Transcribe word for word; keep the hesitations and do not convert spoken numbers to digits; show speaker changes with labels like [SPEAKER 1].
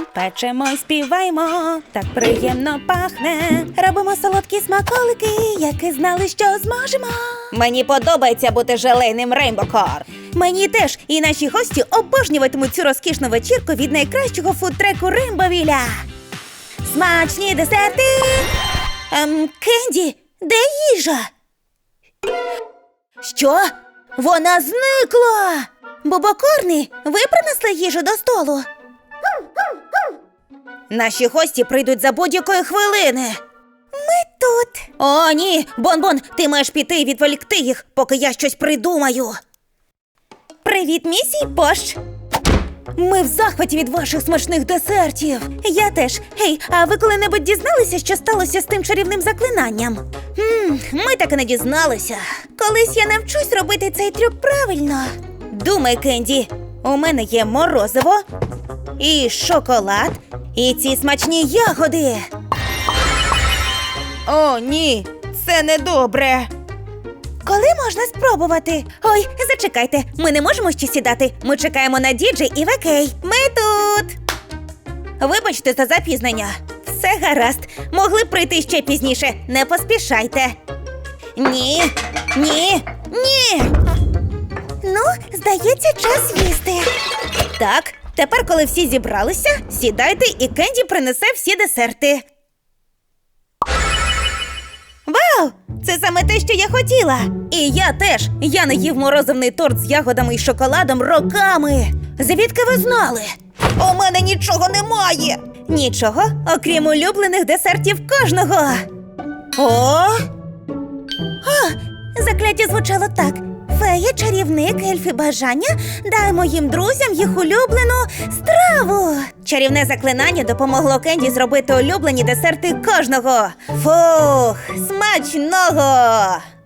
[SPEAKER 1] Печемо й співаємо, так приємно пахне. Робимо солодкі смаколики, які знали, що зможемо. Мені подобається бути желейним Рейнбо-корн. Мені теж, і наші гості обожнюватимуть цю розкішну вечірку від найкращого фудтреку Рейнбовіля. Смачні десерти! Ем, Кенді, де їжа? Що? Вона зникла! Бобокорни, ви принесли їжу до столу? Наші гості прийдуть за будь-якої хвилини. Ми тут. О, ні, Бон-Бон, ти маєш піти і відволікти їх, поки я щось придумаю. Привіт, місій Пош. Ми в захваті від ваших смачних десертів. Я теж. Гей, а ви коли-небудь дізналися, що сталося з тим чарівним заклинанням? Хм, ми так і не дізналися. Колись я навчусь робити цей трюк правильно. Думай, Кенді, у мене є морозиво, і шоколад, і ці смачні ягоди. О, ні, це недобре. Коли можна спробувати? Ой, зачекайте, ми не можемо ще сідати. Ми чекаємо на діджей і Векей. Ми тут! Вибачте за запізнення. Все гаразд. Могли б прийти ще пізніше. Не поспішайте. Ні, ні, ні! Ну, здається, час їсти. Так, тепер, коли всі зібралися, сідайте і Кенді принесе всі десерти. Вау! Це саме те, що я хотіла! І я теж! Я не їв морозивний торт з ягодами і шоколадом роками! Звідки ви знали? У мене нічого немає! Нічого, окрім улюблених десертів кожного! О! О! Закляття звучало так. Фея, чарівник, ельфи бажання, дай моїм друзям їх улюблену страву. Чарівне заклинання допомогло Кенді зробити улюблені десерти кожного. Фух, смачного!